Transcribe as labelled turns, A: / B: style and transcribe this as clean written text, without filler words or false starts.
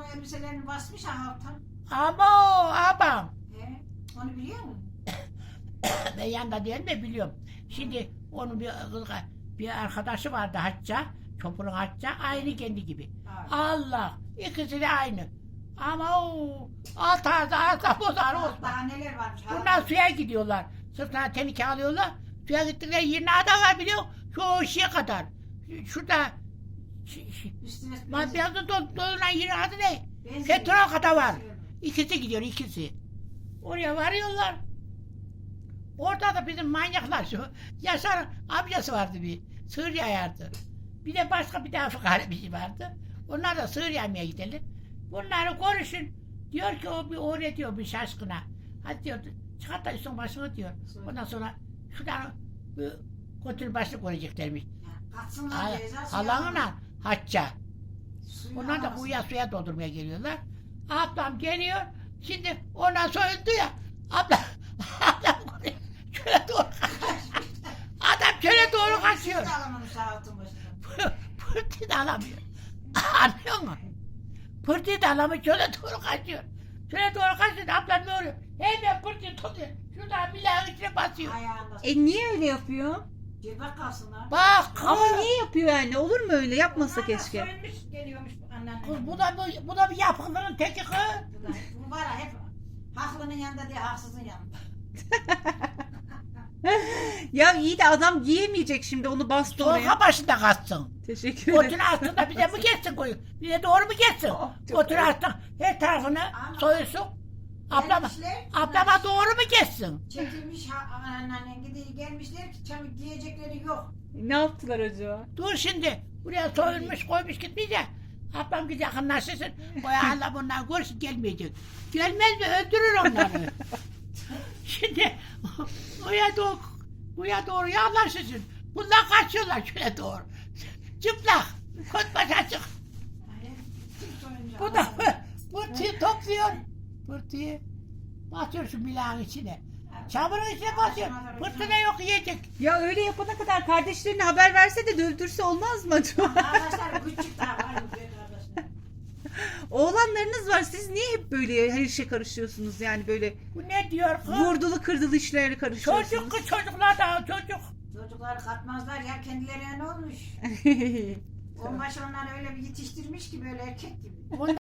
A: o elbiselerini basmış alttan.
B: Abam.
A: Onu biliyor musun?
B: Ben yanında değil mi biliyorum. Şimdi onun bir arkadaşı vardı Hacca. Çopur'un Hacca. Aynı kendi gibi.
A: Evet.
B: Allah. İkisi de aynı. Ama o alta bozar olsun.
A: Daha neler varmış.
B: Bunlar suya gidiyorlar. Sırtına tenike alıyorlar. Suya gittikleri yerin adı var biliyor musun? Şu şeye kadar. Şurada
A: Üstüne
B: Maddiyatı dolunan yerin adı ne?
A: benzin.
B: Petrol kadar var. İkisi gidiyor ikisi. Oraya varıyorlar. Orada da bizim manyaklar şu. Yaşar amcası vardı bir. Sığır yayardı. Bir de başka bir de Afrika bir şey vardı. Onlar da sığır yaymaya gidelim. Bunları konuşun. Diyor ki o bir oraya diyor bir şaşkına. Hadi diyor çıkart da üstün başını diyor. Ondan sonra şuradan kontrol başını koyacaklarmış.
A: Katsınlar ceza.
B: Halanla Hacca. Onlar da kuyuya suya doldurmaya geliyorlar. Ablam geliyor. Şimdi ondan soyuldu ya. Ablam şöyle doğru adam şöyle doğru kaçıyor. Pırtıyı da alamıyor. Anlıyor musun? Pırtıyı da alamıyor. Şöyle doğru kaçıyor. Şöyle doğru kaçıyor. Ablam ne oluyor? Hemen pırtıyı tutuyor. Şuradan bilahın içine basıyor.
C: Niye öyle yapıyor?
A: Cebek kalsınlar.
B: Bak.
C: Ama niye yapıyor yani? Olur mu öyle? Yapmasa keşke.
A: Soyulmuş geliyormuş anneanne.
B: Kız bu da bir yapıklının teki kız.
A: Bu var ya hep haklının yanında değil haksızın yanında.
C: Ya iyi de adam giyemeyecek şimdi onu bastı oraya.
B: Soğuka başında kaçsın.
C: Teşekkür ederim.
B: Otun altında bize mi geçsin koyun? Bize doğru mu geçsin?
C: çok
B: Otun
C: ayıp.
B: altında her tarafını
A: Ama-
B: soyulsun.
A: Gelmişler,
B: Ablama doğru mu geçsin?
A: çekilmiş anneannen gidiyor gelmişler ki çabuk diyecekleri yok.
C: Ne yaptılar acaba?
B: Dur şimdi. Buraya soyulmuş koymuş gitmeyecek. Ablam bir yakınlaşırsın. Boya Allah bunlar görsün gelmeyecek. Gelmez mi? Öldürür onları. Şimdi buraya doğru yaklaşırsın. Bunlar kaçıyorlar şöyle doğru. Çıplak. Kot baş açık. Bu da pırtıyı topluyor. Pırtıyı batıyor şu milağın içine. Çamurun içine basıyor. Pırtı ne yok yiyecek.
C: Ya öyle yapana kadar kardeşlerine haber verse de öldürse olmaz mı acaba?
A: Arkadaşlar küçük daha var mı diyor arkadaşlar.
C: Oğlanlarınız var. Siz niye hep böyle her işe karışıyorsunuz yani böyle
B: Bu ne diyor kız?
C: vurdulu kırdılı işlere karışıyorsunuz?
B: Çocuk kız çocuklar da çocuk.
A: Çocuklar katmazlar ya kendilerine ne olmuş? Onbaşı onları öyle bir yetiştirmiş ki böyle erkek gibi.